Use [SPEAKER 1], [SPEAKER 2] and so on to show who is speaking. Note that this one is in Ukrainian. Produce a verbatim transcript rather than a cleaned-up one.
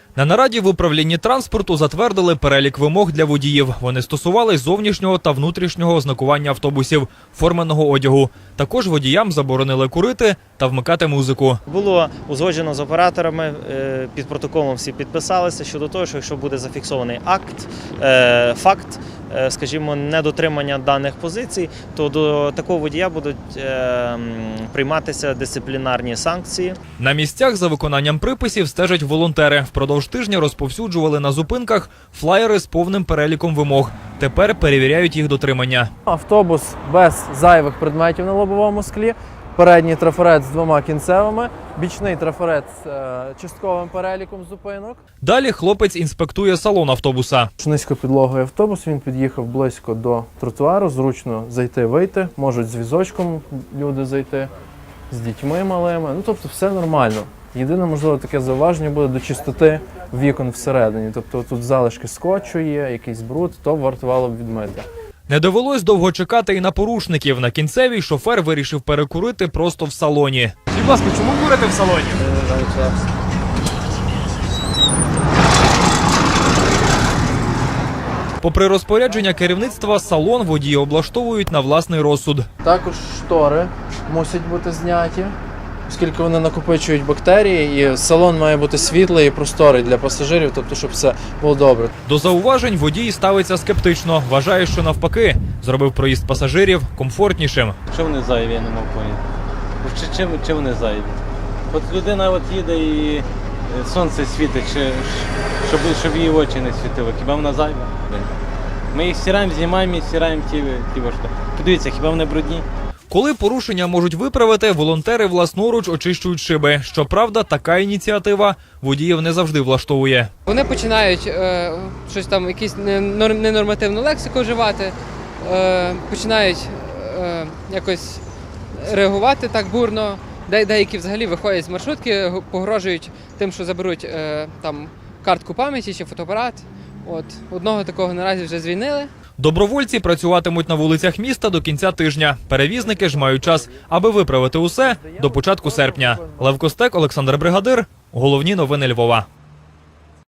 [SPEAKER 1] На нараді в управлінні транспорту затвердили перелік вимог для водіїв. Вони стосувались зовнішнього та внутрішнього ознакування автобусів, форменого одягу. Також водіям заборонили курити та вмикати музику.
[SPEAKER 2] Було узгоджено з операторами, під протоколом всі підписалися щодо того, що якщо буде зафіксований акт, факт, скажімо, недотримання даних позицій, то до такого водія будуть прийматися дисциплінарні санкції.
[SPEAKER 1] На місцях за виконанням приписів стежать волонтери. Впродовж тижня розповсюджували на зупинках флаєри з повним переліком вимог. Тепер перевіряють їх дотримання.
[SPEAKER 3] Автобус без зайвих предметів на лобовому склі, передній трафарет з двома кінцевими, бічний трафарет з е, частковим переліком зупинок.
[SPEAKER 1] Далі хлопець інспектує салон автобуса.
[SPEAKER 3] Низькопідлоговий автобус, він під'їхав близько до тротуару, зручно зайти-вийти, можуть з візочком люди зайти, з дітьми малими, ну тобто все нормально. Єдине, можливо, таке зауваження буде до чистоти вікон всередині. Тобто тут залишки скотчу є, якийсь бруд, то вартувало б відмити.
[SPEAKER 1] Не довелось довго чекати і на порушників. На кінцевій шофер вирішив перекурити просто в салоні.
[SPEAKER 4] Будь ласка, чому курите в салоні?
[SPEAKER 1] Попри розпорядження керівництва, салон водії облаштовують на власний розсуд.
[SPEAKER 3] Також штори мусять бути зняті, оскільки вони накопичують бактерії, і салон має бути світлий і просторий для пасажирів, тобто щоб все було добре.
[SPEAKER 1] До зауважень водій ставиться скептично. Вважає, що навпаки, зробив проїзд пасажирів комфортнішим.
[SPEAKER 5] Що вони зайві, я не можу поняти. Чи, чи, чи вони зайві? От людина от їде і сонце світить, чи, щоб, щоб її очі не світили. Хіба вона зайва? Ми їх стираємо, знімаємо і стираємо ті, ті важко. Подивіться, хіба вони брудні?
[SPEAKER 1] Коли порушення можуть виправити, волонтери власноруч очищують шиби. Щоправда, така ініціатива водіїв не завжди влаштовує.
[SPEAKER 6] Вони починають е, щось там, якісь ненормативну лексику вживати, е, починають е, якось реагувати так бурно. Де, деякі взагалі виходять з маршрутки, погрожують тим, що заберуть е, там картку пам'яті чи фотоапарат. От одного такого наразі вже звільнили.
[SPEAKER 1] Добровольці працюватимуть на вулицях міста до кінця тижня. Перевізники ж мають час, аби виправити усе до початку серпня. Лев Костек, Олександр Бригадир. Головні новини Львова.